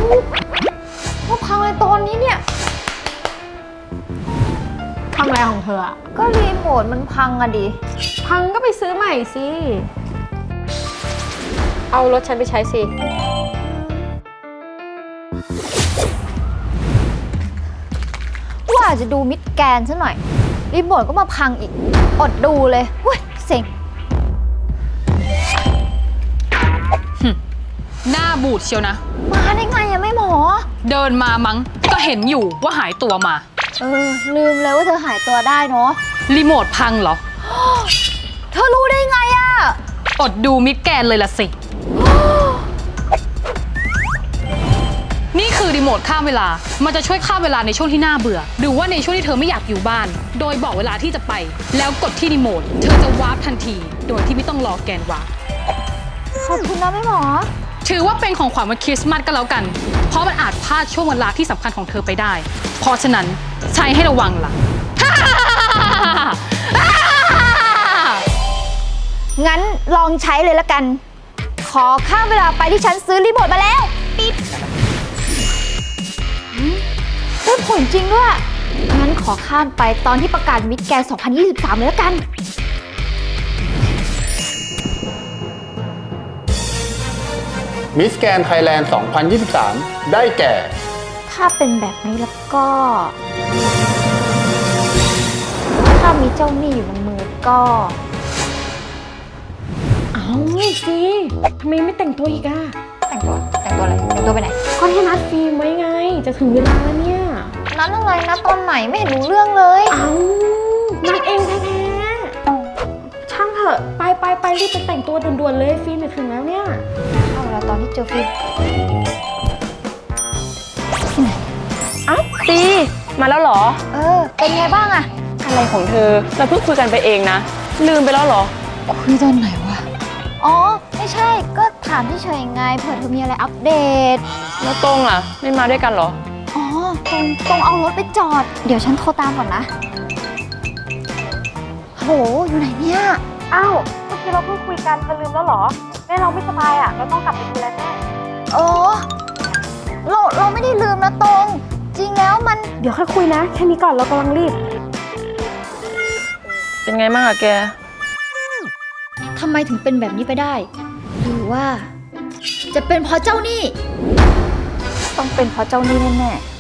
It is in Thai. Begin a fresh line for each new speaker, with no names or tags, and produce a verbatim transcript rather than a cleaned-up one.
มาพังอะไรตอนนี้เนี่ย
พังอะไรของเธออะ
ก็รีโมทมันพังอะดิ
พังก็ไปซื้อใหม่สิเอารถฉันไปใช้สิ
ว่าจะดูมิดแกนซะหน่อยรีโมทก็มาพังอีกอดดูเลยเว้ยเซ็ง
หน้าบูดเชียวนะ
มาได้ไงอะไม่หมอ
เดินมามั้งก็เห็นอยู่ว่าหายตัวมา
เออลืมเลยว่าเธอหายตัวได้เนาะ
รีโมทพังเหรอ
เธอรู้ได้ไงอะ
อดดูมิดแกนเลยละสิ นี่คือรีโมทข้ามเวลามันจะช่วยข้ามเวลาในช่วงที่น่าเบื่อหรือว่าในช่วงที่เธอไม่อยากอยู่บ้านโดยบอกเวลาที่จะไปแล้วกดที่รีโมทเธอจะวาร์ปทันทีโดยที่ไม่ต้องรอแกนวาร์ป
ขอบคุณนะแม่หมอ
ถือว่าเป็นของขวัญวันคริสต์มาสก็แล้วกันเพราะมันอาจพลาดช่วงเวลาที่สำคัญของเธอไปได้เพราะฉะนั้นใช้ให้ระวังล่ะ
งั้นลองใช้เลยละกันขอข้ามเวลาไปที่ฉันซื้อรีโมทมาแล้วปิ๊บได้ผลจริงด้วยงั้นขอข้ามไปตอนที่ประกาศมิดแกนสองพันยี่สิบสามเลยละกัน
มิสแกนไทยแลนด์ สองพันยี่สิบสาม ได้แก่
ถ้าเป็นแบบนี้แล้วก็ ถ้ามีเจ้าหนี้อยู่ในมือก็
เอาสิทำไมไม่แต่งตัวอีกอะ
แต่งตัวแต่งตัวอะไรแต่งตัวไปไหน
ก็ให้นัดฟิล์มไว้ไงจะถึงเวลาแล้วเนี่ย
นัดอะไรนัดตอนไหนไม่เห็นรู้เรื่องเลย
เอานัดเองแท้ๆช่างเถอะไปไปไปรีบไปแต่งตัวด่วนๆเลยฟิล์มจะถึงแล้วเนี่ย
เอาเวลาตอนที่เจอฟิล์ม
อ้าวตีมาแล้วเหรอ
เออเป็นไงบ้างอะ
อะไรของเธอเราเพิ่งคุยกันไปเองนะลืมไปแล้วเหรอ
คุยตอนไหนวะอ๋อไม่ใช่ก็ถามที่เฉยไงเผื่อเธอมีอะไรอัปเดต
แล้วตรงล่ะไม่มาด้วยกันเหรอ
อ๋อตรงตรงเอารถไปจอดเดี๋ยวฉันโทรตามก่อนนะโหอยู่ไหนเนี่ย
อ้าวเมื่อกี้เราเพิ่งคุยกันเธอลืมแล้วเหรอแม่เราไม่สบายอ่ะเราต้องกลับไปดูแลแม่
เออเราเราไม่ได้ลืมนะตรงจริงแล้วมัน
เดี๋ยวค่อยคุยนะแค่นี้ก่อนเรากำลังรีบ
เป็นไงบ้างอะแก
ทำไมถึงเป็นแบบนี้ไปได้หรือว่าจะเป็นเพราะเจ้าหนี้ต้องเป็นเพราะเจ้าหนี้แน่ๆ